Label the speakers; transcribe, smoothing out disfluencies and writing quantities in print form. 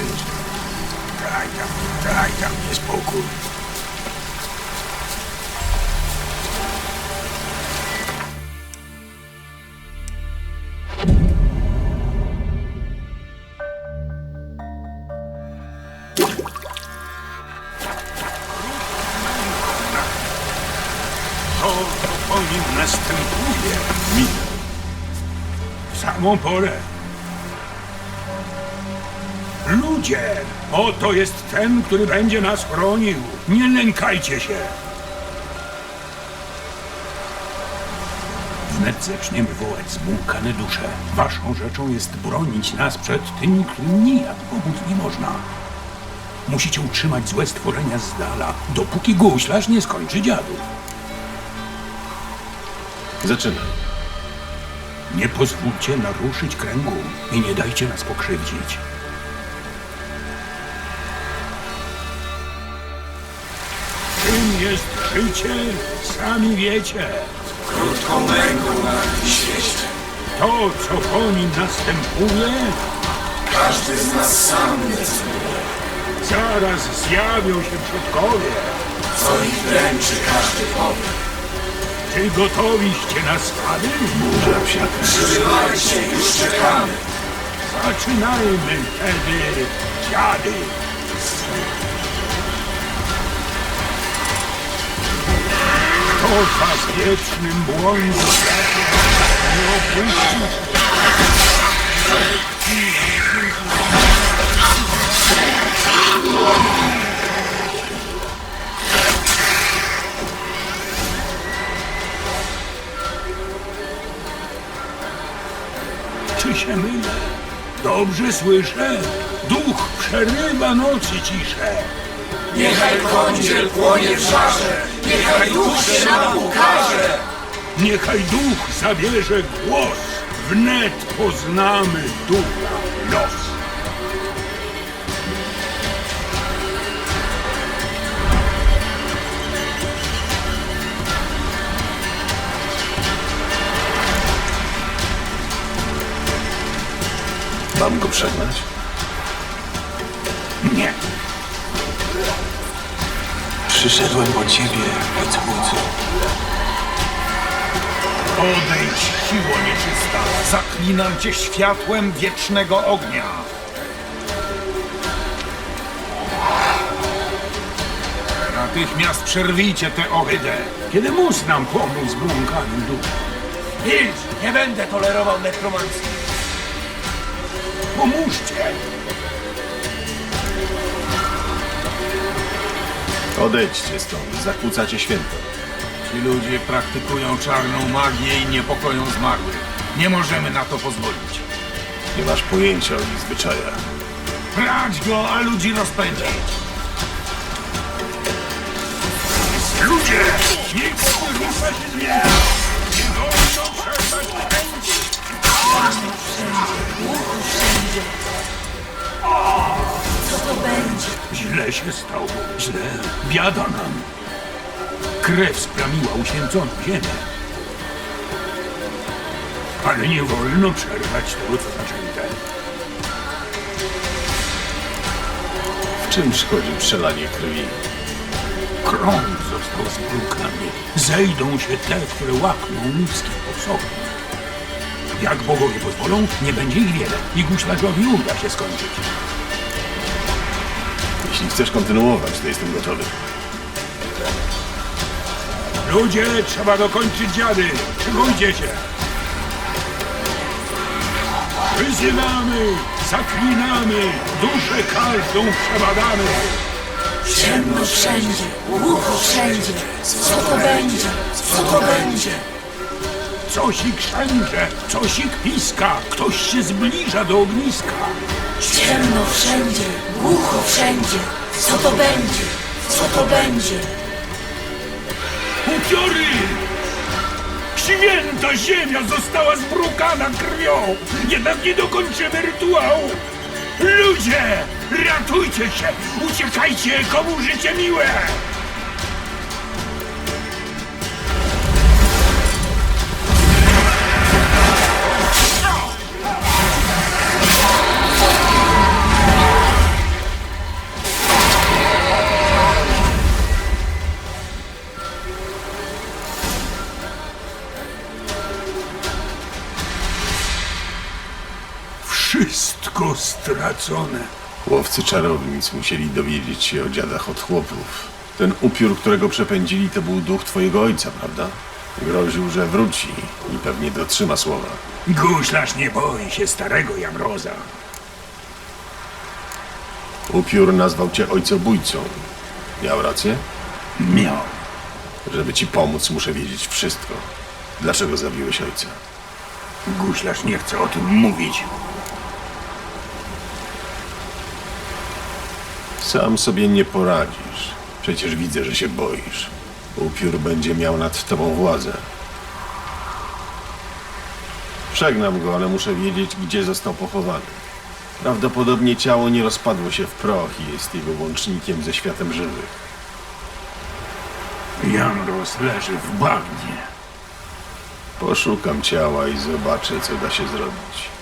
Speaker 1: Daj tam niespokój. To po nim następuje. W samą porę. Ludzie! Oto jest ten, który będzie nas chronił. Nie lękajcie się. Wnet zaczniemy wołać zbłąkane dusze. Waszą rzeczą jest bronić nas przed tymi, którym nijak pomóc nie można. Musicie utrzymać złe stworzenia z dala, dopóki guślarz nie skończy dziadów.
Speaker 2: Zaczynaj.
Speaker 1: Nie pozwólcie naruszyć kręgu i nie dajcie nas pokrzywdzić. Czym jest życie, sami wiecie.
Speaker 3: Krótką męką na tym świecie.
Speaker 1: To, co po nim następuje,
Speaker 3: Każdy z nas sam decyduje.
Speaker 1: zaraz zjawią się przodkowie.
Speaker 3: Co ich dręczy, każdy powie.
Speaker 1: Czy gotowiście na spady?
Speaker 2: Burza wsiaka.
Speaker 3: Przybywajcie, już czekamy.
Speaker 1: Zaczynajmy wtedy, dziady. Kto was wiecznym błądzie nie opuści? Czy się mylę? Dobrze słyszę? Duch przerywa nocy ciszę.
Speaker 3: Niechaj kądziel płonie w żarze. Niechaj duch się nam ukaże.
Speaker 1: Niechaj duch zabierze głos. Wnet poznamy ducha los.
Speaker 2: Mam go przegnać?
Speaker 1: Nie.
Speaker 2: Przyszedłem po ciebie, ojcobójco.
Speaker 1: Odejdź, siło nieczysta. Zaklinam cię światłem wiecznego ognia. Natychmiast przerwijcie tę ohydę. Kiedy mus nam pomóc zbłąkanym duchom?
Speaker 4: Milcz! Nie będę tolerował nekromancji.
Speaker 1: Pomóżcie.
Speaker 2: Odejdźcie stąd, zakłócacie święto.
Speaker 1: Ci ludzie praktykują czarną magię i niepokoją zmarłych. Nie możemy na to pozwolić.
Speaker 2: Nie masz pojęcia o ich zwyczajach.
Speaker 1: Brać go, a ludzi rozpędzić. Ludzie! Nikt nie rusza się z miejsca! Nie wolno przestać pędzić!
Speaker 5: Co to będzie?
Speaker 1: Źle się stało. Źle. Biada nam. Krew splamiła uświęconą ziemię. Ale nie wolno przerwać tego, co zaczęte.
Speaker 2: W czym szkodzi przelanie krwi?
Speaker 1: Krąg został zbrukany. Zejdą się te, które łakną ludzkich posągów. Jak bogowie pozwolą, nie będzie ich wiele i guślarzowi uda się skończyć.
Speaker 2: Jeśli chcesz kontynuować, to jestem gotowy.
Speaker 1: Ludzie, trzeba dokończyć dziady. Szykujcie się. Wyzywamy, zaklinamy, duszę każdą przebadamy.
Speaker 5: Ciemno wszędzie, głucho wszędzie. Co to będzie? Co to będzie?
Speaker 1: Cosik szęcze, cosik piska, ktoś się zbliża do ogniska.
Speaker 5: Ciemno wszędzie, głucho wszędzie. Co to będzie? Co to będzie?
Speaker 1: Upiory! Święta ziemia została zbrukana krwią! Jednak nie dokończymy rytuału! Ludzie! Ratujcie się! Uciekajcie, komu życie miłe! stracone.
Speaker 2: Łowcy czarownic musieli dowiedzieć się o dziadach od chłopów. Ten upiór, którego przepędzili, to był duch twojego ojca, prawda? Groził, że wróci i pewnie dotrzyma słowa.
Speaker 1: Guślarz nie boi się starego Jamroza.
Speaker 2: Upiór nazwał cię ojcobójcą. Miał rację?
Speaker 1: Miał.
Speaker 2: Żeby ci pomóc, muszę wiedzieć wszystko. Dlaczego zabiłeś ojca?
Speaker 1: Guślarz nie chce o tym mówić.
Speaker 2: Sam sobie nie poradzisz. Przecież widzę, że się boisz. Upiór będzie miał nad tobą władzę. Przegnam go, ale muszę wiedzieć, gdzie został pochowany. Prawdopodobnie ciało nie rozpadło się w proch i jest jego łącznikiem ze światem żywych.
Speaker 1: Jamroz leży w bagnie.
Speaker 2: Poszukam ciała i zobaczę, co da się zrobić.